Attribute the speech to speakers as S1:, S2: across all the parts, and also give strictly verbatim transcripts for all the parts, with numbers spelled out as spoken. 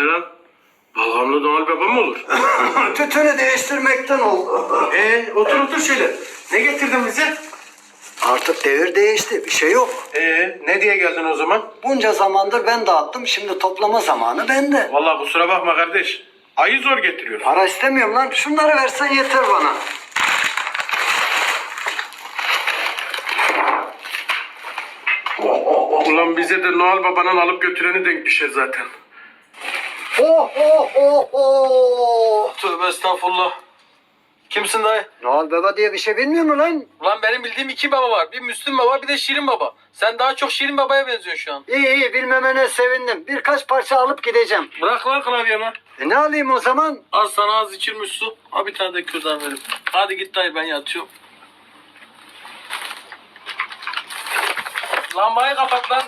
S1: ne lan? Balgamlı Noel Baba mı olur?
S2: Tütünü değiştirmekten oldu.
S1: Ee, otur otur şöyle. Ne getirdin bize?
S2: Artık devir değişti. Bir şey yok.
S1: Ee, ne diye geldin o zaman?
S2: Bunca zamandır ben dağıttım. Şimdi toplama zamanı bende.
S1: Vallahi kusura bakma kardeş. Ayı zor getiriyor.
S2: Para istemiyorum lan. Şunları versen yeter bana.
S1: Ulan bize de Noel Baba'nın alıp götüreni denk düşer zaten.
S2: Oh oh oh oh.
S3: Tövbe estağfurullah. Kimsin dayı?
S2: Noel Baba diye bir şey bilmiyor mu lan?
S3: Ulan benim bildiğim iki baba var. Bir Müslüm Baba bir de Şirin Baba. Sen daha çok Şirin Baba'ya benziyorsun şu an.
S2: İyi iyi bilmemene sevindim. Birkaç parça alıp gideceğim.
S3: Bırak lan klavyemi.
S2: E ne alayım o zaman?
S3: Az sana az içilmiş su. Ha bir tane de kürdan verin. Hadi git dayı ben yatıyorum. Lambayı kapat lan.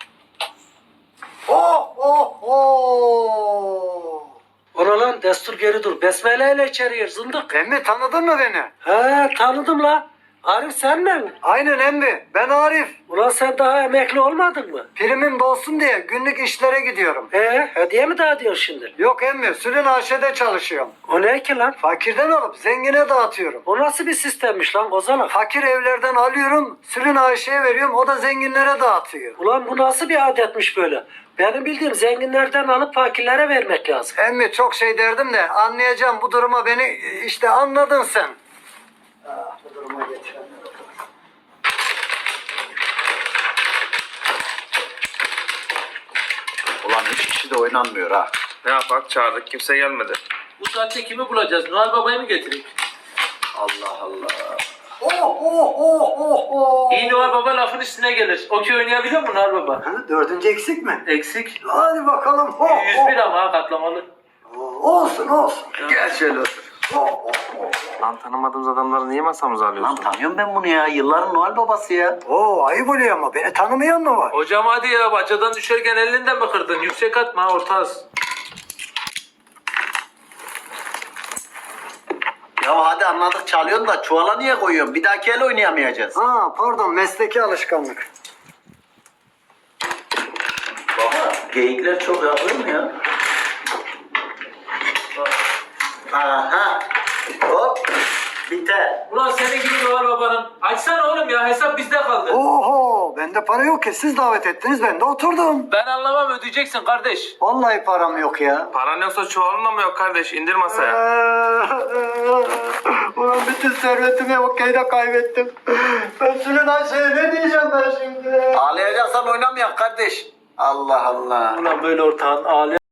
S2: Oh oh oh.
S4: Ona lan destur geri dur. Besmele ile içeri gir zındık.
S2: Emmi tanıdın mı beni?
S4: He tanıdım la. Arif sen mi?
S2: Aynen emmi. Ben Arif.
S4: Ulan sen daha emekli olmadın mı?
S2: Primim dolsun diye günlük işlere gidiyorum.
S4: He hediye mi dağıtıyorsun şimdi?
S2: Yok emmi. Sülün A Ş'de çalışıyorum.
S4: O ne ki lan?
S2: Fakirden alıp zengine dağıtıyorum.
S4: O nasıl bir sistemmiş lan Kozalak?
S2: Fakir evlerden alıyorum. Sülün Ayşe'ye veriyorum. O da zenginlere dağıtıyor.
S4: Ulan bu nasıl bir adetmiş böyle? Benim bildiğim zenginlerden alıp fakirlere vermek lazım.
S2: Emmi çok şey derdim de anlayacağım bu duruma beni işte anladın sen. Ah, bu duruma getirenler.
S5: Ulan üç kişi de oynanmıyor ha.
S6: Ne yapak? Çağırdık. Kimse gelmedi.
S3: Bu saatte kimi bulacağız? Noel Baba'yı mı getireyim?
S5: Allah Allah.
S2: Oh oh oh oh oh.
S3: İyi Noel Baba lafın üstüne gelir. Okey oynayabiliyor mu Noel Baba?
S2: Ha, dördüncü eksik mi?
S3: Eksik.
S2: Hadi bakalım. Oh,
S3: yüz bir ama ha katlamalı.
S2: oh. Olsun olsun.
S5: Gel şöyle otur.
S2: Oh, oh, oh.
S6: Lan tanımadığımız adamları niye masamıza
S5: Lan
S6: alıyorsun?
S5: tanıyorum ben bunu ya. Yılların Noel babası ya.
S2: Oo, ayıp oluyor ama beni tanımayan mı var?
S3: Hocam hadi ya bacadan düşerken elinden mi kırdın? Yüksek atma ha, orta az.
S5: Ya hadi anladık çalıyorsun da çuvala niye koyuyorsun? Bir dahaki el oynayamayacağız.
S2: Ha pardon mesleki alışkanlık.
S5: Baba geyikler çok yapıyor mu ya? Aha. Hop. Biter.
S3: Ulan senin gibi Noel Baba'nın. Açsana oğlum ya hesap bizde kaldı.
S2: Oho bende para yok ki siz davet ettiniz ben de oturdum.
S3: Ben anlamam ödeyeceksin kardeş.
S2: Vallahi param yok ya.
S6: Paran yoksa çuvalın da mı yok kardeş? İndir masaya.
S2: Ulan bütün servetimi okeyde kaybettim. Ben Sülün Ayşe'ye ne diyeceğim ben şimdi?
S5: Ağlayacaksan oynamayak kardeş. Allah Allah.
S3: Ulan böyle ortağın ağlayan